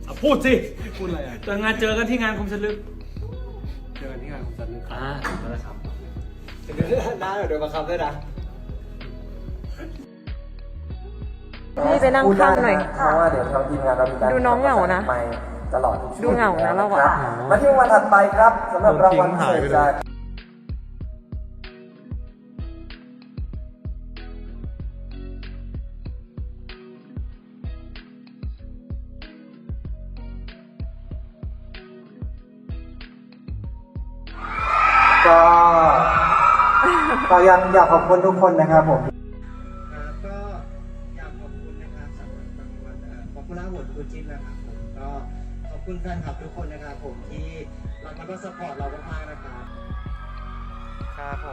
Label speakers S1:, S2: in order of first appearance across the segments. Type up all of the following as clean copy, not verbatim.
S1: พูดสิ
S2: พูดอะไรอ่ะ
S1: เจอกันที่งานคมชันลึก
S2: เจอกันที่งานของจันทร์ลึกครับ
S1: นั่นแหละครับ
S2: น้าโดนบังคับด้วยนะ
S3: พี่ไปนั่งข้างหน่อย
S4: เพราะว่าเดี๋ยวทางทีมงานเรามีการ
S3: ดูน้องเหงานะ
S4: ไปตลอดทุกช่วง
S3: ดูเหงานะเราอะ
S4: คบมาที่วันถัดไปครับสำหรับรางวัลพิเศษจากก็ยังอยากขอบคุณทุกคนนะครับผมก็อยากขอบคุณนะครับสำหรับรางวัลป๊อปปูล่าโหวตคู่จิ้นนะครับผมก็ขอบคุณแฟนคลับทุกคนนะครับผมที่รักแล้วก็สปอร์ตเรามากๆนะครับครับผม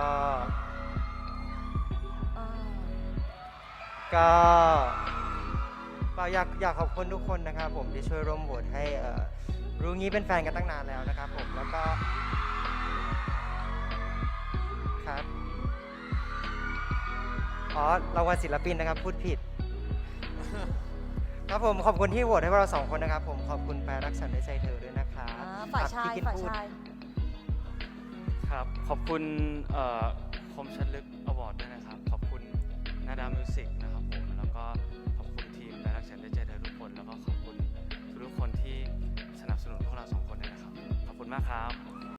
S4: ก็อยากขอบคุณทุกคนนะครับผมที่ช่วยร่วมโหวตให้รู้งี้เป็นแฟนกันตั้งนานแล้วนะครับผมแล้วก็ครับรางวัลศิลปินนะครับพูดผิด ครับผมขอบคุณที่โหวตให้พวกเราสองคนนะครับผมขอบคุณแปรรักฉันด้วยใจเธอด้วยนะครับ
S3: ฝ่ายชาย
S4: พี่กิน
S3: ฝ่าย
S4: พูด
S3: ชาย
S5: ครับขอบคุณคมชัดลึกอวอร์ดด้วยนะครับขอบคุณนาดามิวสิกนะครับผมแล้วก็ขอบคุณทีมและรักฉันได้ใจเธอทุกคนแล้วก็ขอบคุณทุกคนที่สนับสนุนพวกเราสองคนด้วยนะครับขอบคุณมากครับ